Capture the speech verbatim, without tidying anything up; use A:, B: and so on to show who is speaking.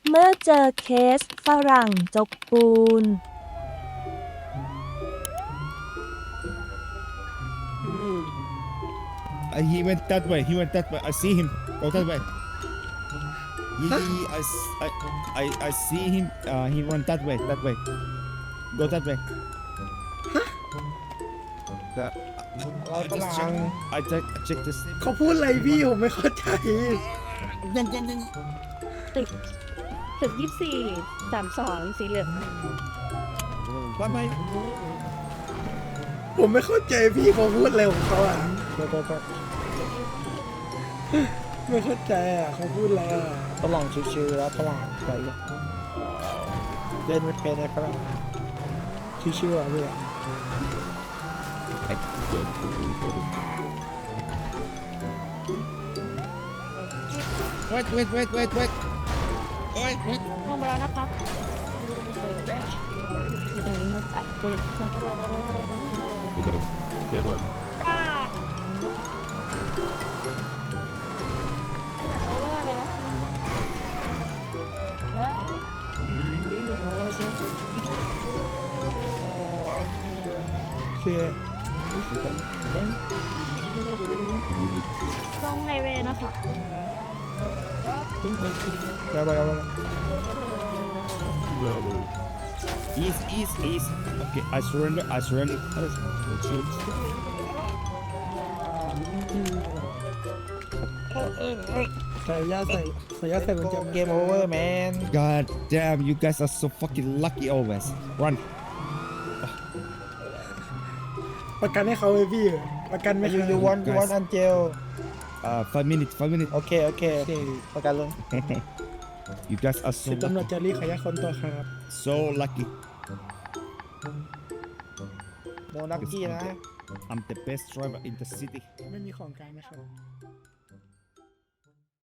A: เมื่อเจอเคสฝรั่งจกปูน
B: Uh, he went that way. He went that way. I see him. Go that way. He, he- I, s- I, I, I see him. Uh, he went that way. That way. Go that way. The, I, I just check. I check. I check this.
C: เขาพูดอะไรพี่ผมไม่เข้าใจ
D: ตึกตึกยี่สี่สามสองสีเหลือง
B: Bye bye.
C: ผมไม่เข้าใจพี่เขาพูดอะไรของเขาอ่ะไม่เข้าใจอ่ะเขาพูดอะไรอ่ะ
E: ฝรั่งชิวๆแล้วฝรั่งไปเล่นไม่เป็นเลยฝรั่ง
C: ชิวๆอ่ะพี่
B: Wait, wait, wait, wait, wait. Wait, wait.
D: ลงไปแล้วนะคะอยู่ตรงนี้มาตัดเปิดป้าเอาว่าไปนะ
C: คือ
D: ลงไฮเวย์นะคะ
C: แล้วไปแล้ว
B: East, east, east. Okay, I surrender. I surrender.
C: ใส่ยาใส่ใส่ยาใส่กุญแจ
E: เกมโอเวอร์แมน
B: God damn, you guys are so fucking lucky always. Run.
C: ประกันให้เขาเลยพี่ประกันไม่
E: ยู
C: ให้
E: ยูวันยูวันอันเจล
B: Uh, five minutes. Five minutes.
E: โอเคโอเคประกันเลย
B: You guys are so
C: สิบตำรวจ
B: lucky.
C: จะรีบขยายคนตัวครับ
B: So lucky.
E: โนนักกี้นะ
B: I'm the best driver in the city.
C: ไม่มีของกลางนะครับ